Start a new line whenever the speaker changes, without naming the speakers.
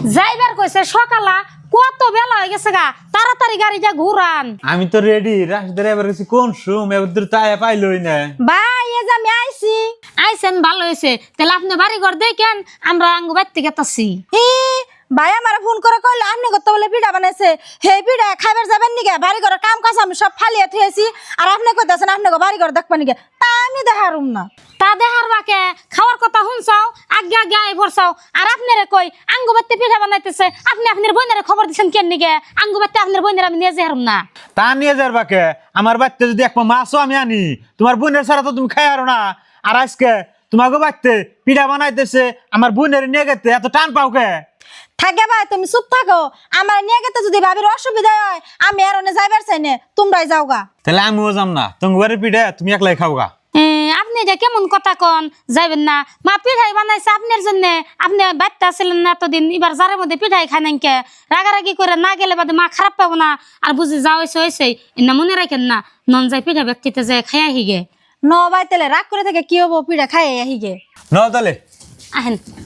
যাইবার কইছে সকালা কত বেলা হয়ে গেছে গা তাড়াতাড়ি গাড়িটা ঘুরান।
আমি তো রেডি রাশিদারে এবার গেছি কোন সুম এবার তো তাই পাইলই না।
ভাই এই যে আমি আইছেন ভালো হয়েছে তাহলে আপনি বাড়ি ঘর দেখেন আমরা আঙ্গু বাড়তে গেতাছি।
ভাই আমার ফোন করে কইলো আপনি কত বলে পিঠা বানাইছে হে পিঠা খাইবার যাবেন নিকে বাড়ি ঘর কাম কাজ আমি সব ফালিয়ে থুয়েছি আর আপনি কইতাছেন আপনি বাড়ি ঘর দেখবেন নিকে তা আমি দেখারুম না।
তা দেহার বাকে খাওয়ার কথা শুনছাও আগে আগে আই ভরছাও আর আপনারে কই আঙ্গু বাড়তে পিঠা বানাইতেছে আপনি আপনার বোনের খবর দিচ্ছেন কেন নিকে আঙ্গু বাড়তে আপনার বোনের আমি নিয়ে যাই না।
তা নিয়ে যার বাকে আমার বাড়িতে যদি এক পা মাছও আমি আনি তোমার বোনের ছাড়া তো তুমি খাই আরো না। আর আজকে তোমাকে বাড়িতে পিঠা বানাইতেছে আমার বোনের নিয়ে গেতে এত টান পাও কে?
থাকে ভাই তুমি চুপ থাকো আমার নিয়ে গেতে যদি ভাবির অসুবিধা হয় আমি আর অনে যাইবার চাই না তোমরাই যাওগা।
তাহলে আমিও যাম না তোমার বাড়ির পিঠা তুমি একলাই খাওগা।
আপনি এটা কেমন কথা কন যাইবেন না মা পিঠাই বানাইছে আপনার জন্য আপনি বাচ্চা আছিলেন না এতদিন এবার যারের মধ্যে পিঠাই খাই নাকি রাগারাগি করে না গেলে বাদে মা খারাপ পাবো না আর বুঝি যা হয়েছে হয়েছে না মনে রাখেন না নন যাই পিঠা ব্যক্তিতে যায় খাইয়া হিগে
ন ভাই তাহলে রাগ করে থাকে কি হবো পিঠা খাই আহিগে
ন তাহলে
আহেন।